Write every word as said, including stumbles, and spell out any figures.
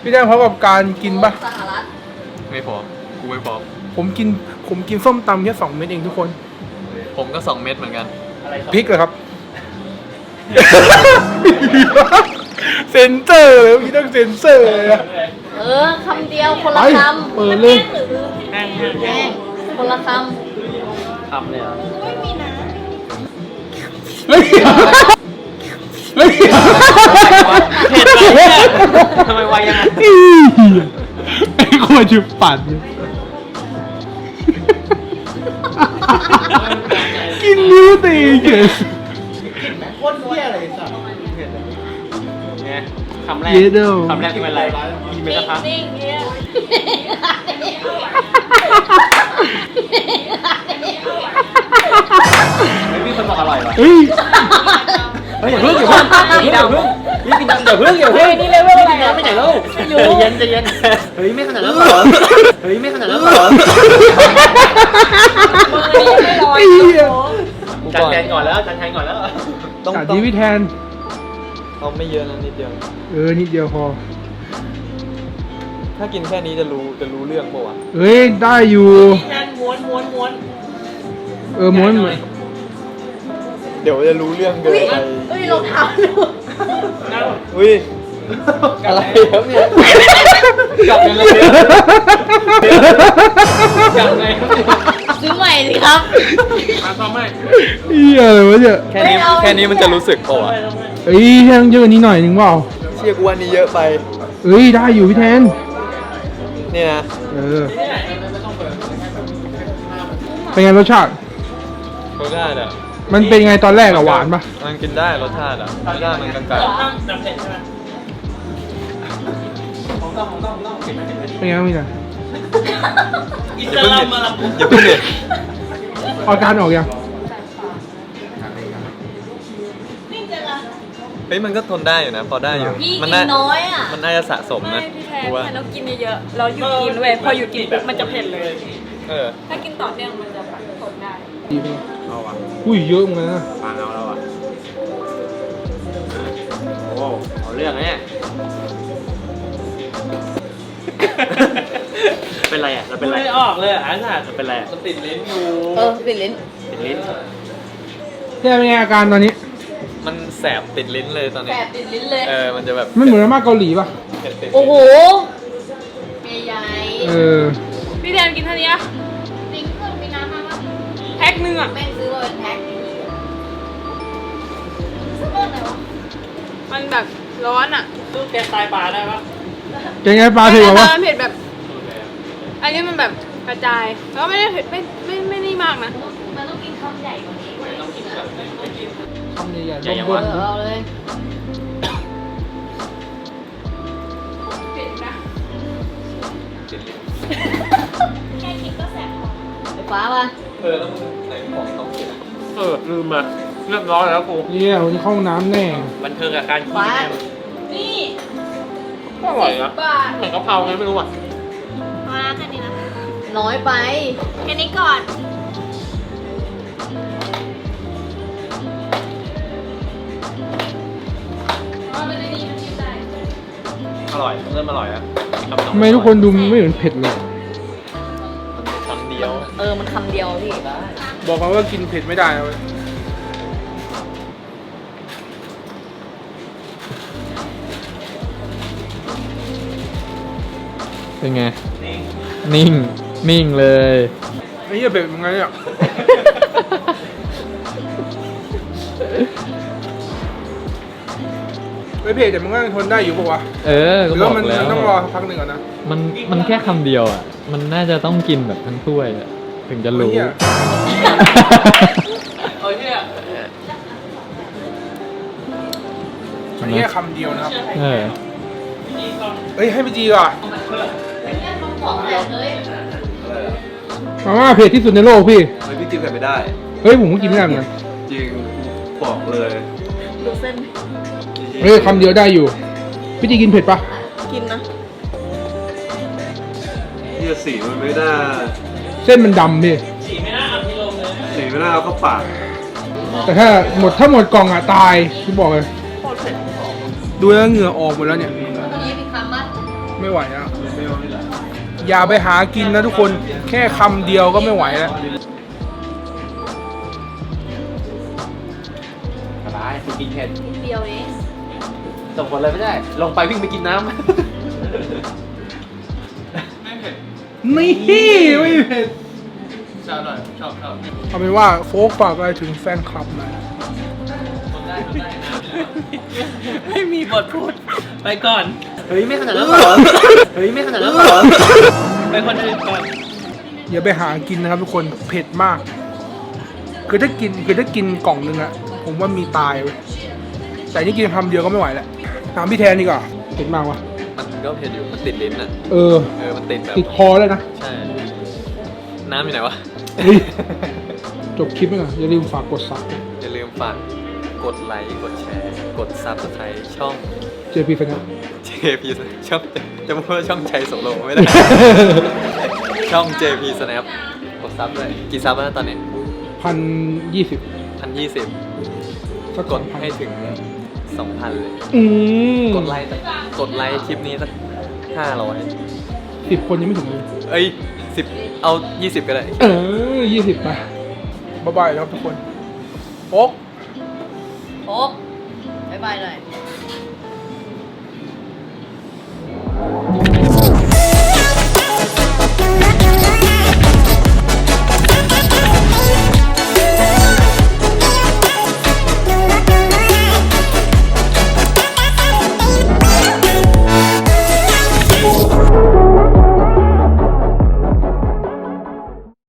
พี่แดงพร้อมกับการกินปะไม่พอกูไม่พอผมกินผมกินส้มตำแค่สองเม็ดเองทุกคนผมก็สองเม็ดเหมือนกันพริกเหรอครับเซนเซอร์เลยพี่ต้องเซนเซอร์เลยอะเออคำเดียวคนละคำเปิดเลยแห้งแห้งคนละคำคำเลยเหรอไม่มีนะแล้วเขียวแล้วเขียวเผ็ดไปเนี่ยทำไมไวยังไงไอ้คนจุดปั่นกินนิ้วตีเกินโคตรเที่ยอะไรสัตว์ไงคำแรกคำแรกเป็นอะไรกินไปสักพักนิ่งๆเนี่ยไม่มีคนบอกอร่อยหรอเฮ้ยเฮ้ยอย่าเพิ่งอย่าเพิ่งอย่าเพิ่งนี่กินอย่าเพิ่งอย่าเพิ่งนี่เลเวลอะไรอ่ะไม่ไหนแล้วใจเย็นใจเย็นเฮ้ยไม่ขนาดนั้นหรอเฮ้ยไม่ขนาดนั้นหรอจานแทนก่อนแล้วจานแทนก่อนแล้วต้องดีวิแทนเอาไม่เยอะนะนิดเดียวเออนิดเดียวพอถ้ากินแค่นี้จะรู้จะรู้เรื่องป่าวะเฮ้ยได้อยู่แทนม้วนม้วนม้วนเออม้วนเหมือนเดี๋ยวจะรู้เรื่องเกินไปเฮ้ยรองเท้าดูอุ้ยอะไรครับเนี่ยกลับยังไงกลับไงซื้อใหม่สิครับมาซ้อมใหม่เฮียอะไรวะเนี่ยแค่นี้แค่นี้มันจะรู้สึกป่าวเอ้ยแทนเยอะกว่านี้หน่อยนึงเปล่าเชี่ยกูวันนี้เยอะไปเอ้ยได้อยู่พี่แทนนี่นะเออเป็นไงรสชาติรสชาติอ่ะมันเป็นไงตอนแรกอะหวานปะมันกินได้รสชาติอ่ะรสชาติมันกลางๆเป็นไงบ้างพี่จ๊ะอิสลามมาละอย่าเพิ่งเด็ดอาการออกยังเฮ้ยมันก็ทนได้อยู่นะพอได้อยู่มันน้อยอ่ะมันน่าจะสะสมนะพี่แทนถ้าเรากินเยอะๆเราหยุดกินเว้ยพอหยุดกินปุ๊บมันจะเผ็ดเลยเออถ้ากินต่อเนื่องมันจะแบบทนได้ดีไหมเอาอ่ะอุ้ยเยอะเหมือนกันนะฟังเอาแล้วอ่ะโอ้เอาเรื่องเนี่ยเป็นไรอ่ะเราเป็นไรไม่ออกเลยอ่ะอาจารย์เป็นไรมันติดลิ้นอยู่เออติดลิ้นติดลิ้นแค่เป็นไงอาการตอนนี้มันแสบติดลิ้นเลยตอนนี้แสบติดลิ้นเลยเออมันจะแบบไม่เหมือนมาม่าเกาหลีป่ะโอ้โหใหญ่เออพี่แทนกินเท่านี้อะจริงก็มีน้ำมาป่ะแพ็คนึงอะแม่ซื้อมาเป็นแพ็คซื้อมาไหนวะมันแบบร้อนอะตู้แกงตายปลาได้ปะแกงไงปลาเผ็ดเหรอวะเผ็ดแบบอันนี้มันแบบกระจายแล้วไม่ได้เผ็ดไม่ไม่ไม่นี่มากนะมันต้องกินคำใหญ่กว่านี้คำใหญ่ๆใหญ่ยังวะวะเอาเลยเผ็ดนะแค่คิดก็แสบไฟฟ้าป่ะเออแล้วมึงไหนของต้องกินเออลืมมาเรียบร้อยแล้วกูเนี่ยวันนี้เข้าห้องน้ำแน่บันเทิงกับการกินแน่นี่ก็อร่อยนะเหมือนกะเพราไงไม่รู้อ่ะมาแค่นี้นะน้อยไปแค่นี้ก่อนอร่อยเริ่มอร่อยแล้วทำไมทุกคนดูไม่เหมือนเผ็ดเลยคำเดียวเออมันคำเดียวพี่บอกเขาว่ากินเผ็ดไม่ได้เลยเป็นไงนิ่งนิ่งเลยไอ้เหี้ยเผ็ดยังไงเนี่ยไม่เผ็ดแต่มันก็ยังทนได้อยู่ป่าววะเออก็บอกแล้วมันต้องรอพักหนึ่งก่อนนะมันมันแค่คำเดียวอ่ะมันน่าจะต้องกินแบบทั้งถ้วยอ่ะถึงจะรู้โอ้ยเนี่ยอันนี้คำเดียวนะครับเออเฮ้ยให้พี่จีก่อนมาม่าเผ็ดที่สุดในโลกพี่เฮ้ยพี่จีเผ็ดไม่ได้เฮ้ยผมก็กินไม่ได้เหมือนกันจริงบอกเลยดูเส้นเฮ้ยคำเดียวได้อยู่พี่จีกินเผ็ดปะกินนะนี่สีมันไม่น่าเส้นมันดำพี่สีไม่น่าเอาที่ลงเลยสีไม่น่าเอาเข้าปากแต่ถ้าหมดถ้าหมดกล่องอ่ะตายพี่บอกเลยดูแล้วเหงื่อออกหมดแล้วเนี่ยตัวนี้มีคำมั้ยไม่ไหวแล้วอย่าไปหากินนะทุกคนแค่คำเดียวก็ไม่ไหวแล้วสบายกินเผ็ดนิดเดียวเองส่งผลอะไรไม่ได้ ลงไปวิ่งไปกินน้ำนี่ไม่เผ็ดชอบหน่อยชอบชอบเอาเป็นว่าโฟกฝากอะไรถึงแฟนคลับหน่อยไม่มีบทพูด ไปก่อนเฮ้ยไม่ขนาดนั้นหรอ เฮ้ยไม่ขนาดนั้นหรอไปคนอื่นก่อนอย่าไปหากินนะครับทุกคนเผ็ดมากคือถ้ากินคือถ้ากินกล่องนึงอะผมว่ามีตายเว้ยแต่นี่กินคำเดียวก็ไม่ไหวแล้วถามพี่แทนดีกว่าเผ็ดมากวะมันก็เผ็ดอยู่ มันติดลิ้นอ่ะเออเออ มันติดแบบติดคอเลยนะใช่ น้ำอยู่ไหนวะเฮ้ยจบคลิปไหมอ่ะอย่าลืมฝากกดซับอย่าลืมฝากกดไลค์ กดแชร์ กดซับสไครต์ช่องเจพีแฟนคลับเจ พี ช่องจะพูดว่าช่องชัยโสโลไม่ได้ ช่อง เจ พี Snap กดซับด้วยกี่ซับแล้วตอนนี้พันยี่สิบพันยี่สิบสักกดให้ถึงสองพันเลยอืมกดไลค์สักกดไลค์คลิปนี้สักห้าร้อยสิบคนยังไม่ถึงเลยเอ้ยสิบเอายี่สิบก็ได้เออยี่สิบไปบ๊ายบายครับทุกคนโอ๊กโอ๊กบ๊ายบายหน่อย